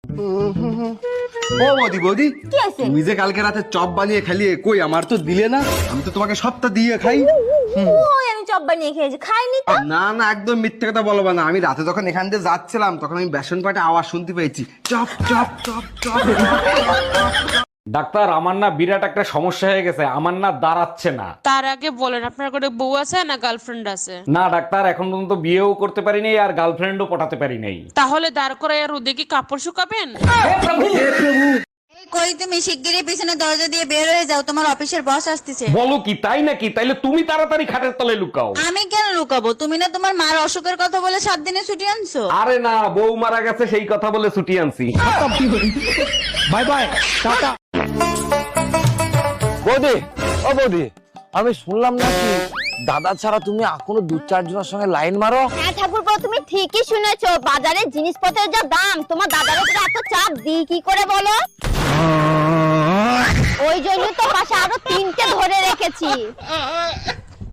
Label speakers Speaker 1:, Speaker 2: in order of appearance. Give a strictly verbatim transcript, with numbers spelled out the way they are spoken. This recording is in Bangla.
Speaker 1: ও বৌদি বৌদি,
Speaker 2: কি আছে?
Speaker 1: তুমি যে কালকে রাতে চপ বানিয়ে খালিয়ে, কই আমার তো দিলে না। আমি তো তোমাকে সবটা দিয়ে খাই।
Speaker 2: ওই আমি চপ বানিয়ে খেয়েছি, খাইনি তো।
Speaker 1: না না, একদম মিথ্যে কথা বলবো না। আমি রাতে যখন এখান দিয়ে যাচ্ছিলাম তখন আমি বেসন পাটে আওয়াজ শুনতে পেয়েছি, চপ চপ চপ চপ।
Speaker 3: ডাক্তার, আমার না বিরাট একটা সমস্যা হয়ে গেছে, আমার না দাঁড়াচ্ছে না।
Speaker 4: তার আগে বলেন আপনার কোনো বউ আছে না গার্লফ্রেন্ড আছে?
Speaker 3: না ডাক্তার, এখন পর্যন্ত বিয়েও করতে পারি নাই আর গার্লফ্রেন্ডও পটাতে পারি নাই।
Speaker 4: তাহলে দাঁড় করে রোদে কি কাপড় শুকাবেন?
Speaker 5: কই তুমি শিগগিরই পিছনে দরজা দিয়ে বের হয়ে যাও, তোমার অফিসের বস আসতেছে।
Speaker 3: বলো কি, তাই নাকি? তাইলে তুমি তাড়াতাড়ি খাটের তলে লুকাও।
Speaker 5: আমি কেন লুকাবো? তুমি না তোমার মার অসুখের কথা বলে সাত দিনে ছুটি আনছো।
Speaker 3: আরে না, বউ মারা গেছে সেই কথা বলে ছুটি আনছি।
Speaker 6: বাই বাই, টাটা।
Speaker 7: বৌদি, ও বৌদি, আমি শুনলাম নাকি দাদা ছাড়া তুমি এখনো দু চারজনের সঙ্গে লাইন মারো।
Speaker 2: হ্যাঁ ঠাকুরপো, তুমি ঠিকই শুনেছো। বাজারে জিনিসপত্রের যা দাম, তোমার দাদার উপরে এত চাপ দিই কি করে বলো? ওই জন্য তো পাশে আরো তিনটে ধরে রেখেছি।